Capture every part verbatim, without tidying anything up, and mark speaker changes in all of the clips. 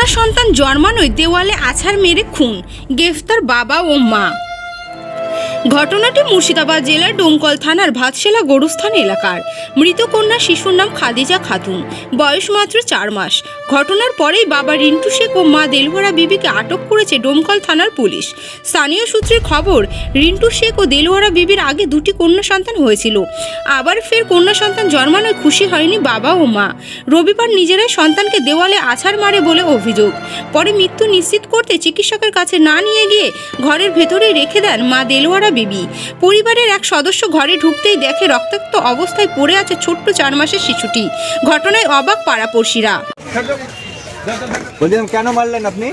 Speaker 1: কন্যা সন্তান জন্মানোয় দেওয়ালে আছাড় মেরে খুন, গ্রেফতার বাবা ও মা। ঘটনাটি মুর্শিদাবাদ জেলার ডোমকল থানার ভাতশালা গরুস্থান এলাকার। মৃত কন্যা শিশুর নাম খাদিজা খাতুন, বয়স মাত্র চার মাস। ঘটনার পরেই বাবা রিন্টু শেখ ও মা দেলোয়ারা বিবিকে আটক করেছে ডোমকল থানার পুলিশ। স্থানীয় সূত্রের খবর, রিন্টু শেখ ও দেলোয়ারা বিবির আগে দুটি কন্যা সন্তান হয়েছিল। আবার ফের কন্যা সন্তান জন্মানোয় খুশি হয়নি বাবা ও মা। রবিবার নিজেরাই সন্তানকে দেওয়ালে আছাড় মারে বলে অভিযোগ। পরে মৃত্যু নিশ্চিত করতে চিকিৎসকের কাছে না নিয়ে গিয়ে ঘরের ভেতরেই রেখে দেন মা দেলোয়ারা বিবি। পরিবারের এক সদস্য ঘরে ঢুকতেই দেখে রক্তাক্ত অবস্থায় পড়ে আছে ছোট্ট চার মাসের শিশুটি। ঘটনায় অবাক পাড়াপড়শিরা।
Speaker 2: বলছিলাম কেন মারলেন আপনি?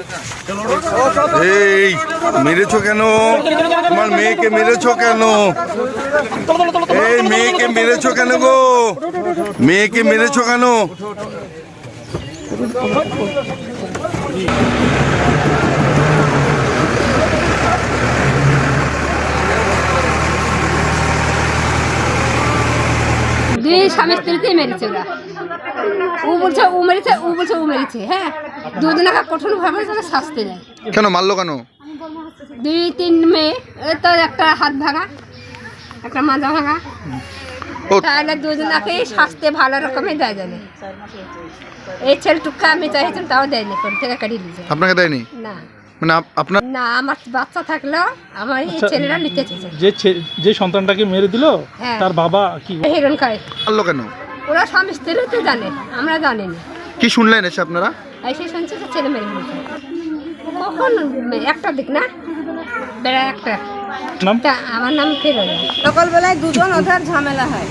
Speaker 3: এই মেরেছো কেন? তোমার মেয়েকে মেরেছো কেন? এই মেয়েকে মেরেছো কেন গো? মেয়েকে মেরেছো কেন?
Speaker 4: দুই স্বামী স্ত্রীতেই মেরেছে ওরা। ও বলছে ও মেরেছে, ও বলছে ও মেরেছে। হ্যাঁ, দুজনকে কঠোর ভাবে তারা শাস্তি দেয়।
Speaker 3: কেন মারলো কেন?
Speaker 4: দুই তিন মেয়ে, তো একটা হাত ভাঙা, একটা মাজা ভাঙা, তাহলে দুজনকে শাস্তি ভালো রকমের দেয় জানে। এই ছেলেটুকু আমি চাইছিলাম, তাও দেয়নি, কোন থেকে কাটিয়ে দিয়েছে।
Speaker 3: আপনাকে দেয়নি?
Speaker 4: না
Speaker 3: মানে আপনার
Speaker 4: না, আমার বাচ্চা থাকলেও আমার এই ছেলেরা নিতে চেয়েছে।
Speaker 5: যে যে সন্তানটাকে মেরে দিল তার বাবা কি
Speaker 4: হিরণ খায়।
Speaker 3: মারলো কেন?
Speaker 4: ওরা স্বামী স্ত্রী তো জানে, আমরা জানি না।
Speaker 3: কি শুনলেন এসে আপনারা?
Speaker 4: এসে শুনছি যে ছেলে মেরে ফেলেছে। কখন? একটা দিক না, বেড়া একটা। তা আমার নাম ফিরোজা।
Speaker 6: সকালবেলায় দুজন ওদের ঝামেলা হয়।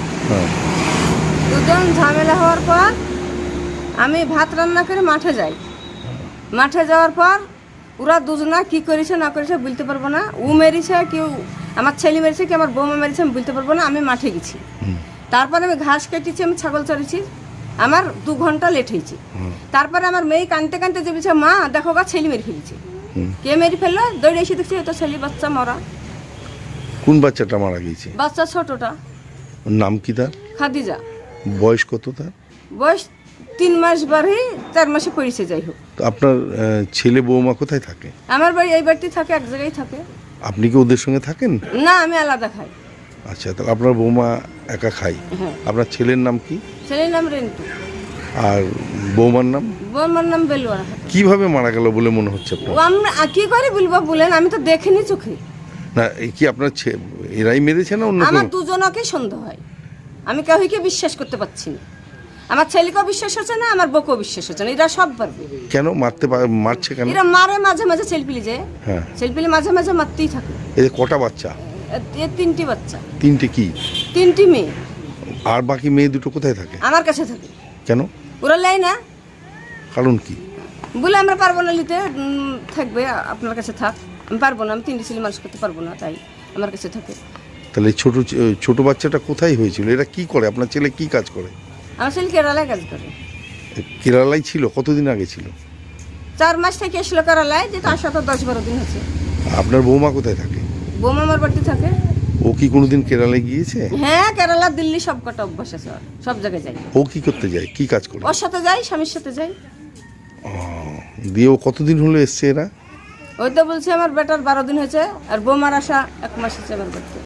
Speaker 6: দুজন ঝামেলা হওয়ার পর আমি ভাত রান্না করে মাঠে যাই। মাঠে যাওয়ার পর ওরা দুজনা কি করেছে না করেছে বলতে পারবো না। ও মেরেছে, কেউ আমার ছেলে মেরেছে, কি আমার বৌমা মেরেছে আমি বলতে পারবো না। আমি মাঠে গেছি, তারপরে আমি ঘাস কেটেছি, আমি ছাগল চড়েছি, আমার দু ঘন্টা লেট হয়েছে। তারপরে আমার মেয়ে কানতে কানতে যে বলছে, মা দেখো গা ছেলে মেরে ফেলেছে। কে মেরে ফেললো? দৌড়ে এসে দেখছি তো ছেলে বাচ্চা মরা।
Speaker 3: কোন বাচ্চাটা মারা গিয়েছে?
Speaker 6: বাচ্চা ছোটটা।
Speaker 3: নাম কি তার?
Speaker 6: খাদিজা।
Speaker 3: বয়স কত তার?
Speaker 6: বয়স তিন মাস বাড়ি চার মাসে পড়েছে। যাই হোক,
Speaker 3: তো আপনার আহ, ছেলে বৌমা কোথায় থাকে?
Speaker 6: আমার বাড়ি এই বাড়িতে থাকে, এক জায়গায় থাকে।
Speaker 3: আপনি কি ওদের সঙ্গে থাকেন?
Speaker 6: না, আমি আলাদা খাই।
Speaker 3: আচ্ছা, তাহলে আপনার বৌমা একা খাই।
Speaker 6: হ্যাঁ।
Speaker 3: আপনার ছেলের নাম কি?
Speaker 6: ছেলের নাম রেন্টু,
Speaker 3: আর বৌমার নাম?
Speaker 6: বৌমার নাম বেলুয়া।
Speaker 3: কিভাবে মারা গেল বলে মনে হচ্ছে আপনার?
Speaker 6: ও আমরা কি করে বলবো বলেন, আমি তো দেখিনি চোখে।
Speaker 3: না, এই কি আপনার ছে- এরাই মেরেছে না অন্য
Speaker 6: আমার
Speaker 3: কেউ?
Speaker 6: দুজনকে সন্দেহ হয়। আমি কাউকে বিশ্বাস করতে পারছি না। আমার ছেলেকেও বিশ্বাস হচ্ছে না, আমার বউকেও বিশ্বাস হচ্ছে না। এরা সব পারবে।
Speaker 3: কেন মারতে পা- মারছে কেন?
Speaker 6: এরা মারে মাঝে মাঝে ছেলপিলি, যে
Speaker 3: হ্যাঁ,
Speaker 6: ছেলপিলি মাঝে মাঝে মারতেই থাকে।
Speaker 3: এই যে কটা বাচ্চা?
Speaker 6: এ তিনটি বাচ্চা,
Speaker 3: তিনটে কি?
Speaker 6: তিনটি মেয়ে।
Speaker 3: আর বাকি মেয়ে দুটো কোথায় থাকে?
Speaker 6: আমার কাছে থাকে।
Speaker 3: কেন?
Speaker 6: ওরা লেয় না
Speaker 3: কারণ কি?
Speaker 6: বলে আমরা পারবো না নিতে, উম, থাকবে আপনার কাছে থাক। আমি পারবো না, আমি তিনটি ছেলে মানুষ করতে পারবো না, তাই আমার কাছে থাকে।
Speaker 3: তাহলে ছোট ছোট বাচ্চাটা কোথায় হয়েছিল? এরা কি করে? আপনার ছেলে কি কাজ করে?
Speaker 6: আমার ছেলে কেরালায় কাজ করে।
Speaker 3: কেরালায় ছিল? কতদিন আগে ছিল?
Speaker 6: চার মাস থেকে এসলো কেরালায়, যে তার সাথে দশ বারো দিন হচ্ছে।
Speaker 3: আপনার বৌমা কোথায় থাকে?
Speaker 6: বৌমা আমার বাড়িতে থাকে।
Speaker 3: ও কি কোনোদিন কেরালায় গিয়েছে?
Speaker 6: হ্যাঁ, কেরালা দিল্লি সব কটা অভ্যাস আছে ওর, সব জায়গায় যাই।
Speaker 3: ও কি করতে যায়? কি কাজ করে?
Speaker 6: ওর সাথে যাই, স্বামীর সাথে যাই।
Speaker 3: দিয়ে ও কতদিন হলো এসছে এরা?
Speaker 6: ওই তো বলছে আমার বেটার বারো দিন হয়েছে, আর বৌমার আসা এক মাস হচ্ছে আমার বাড়িতে।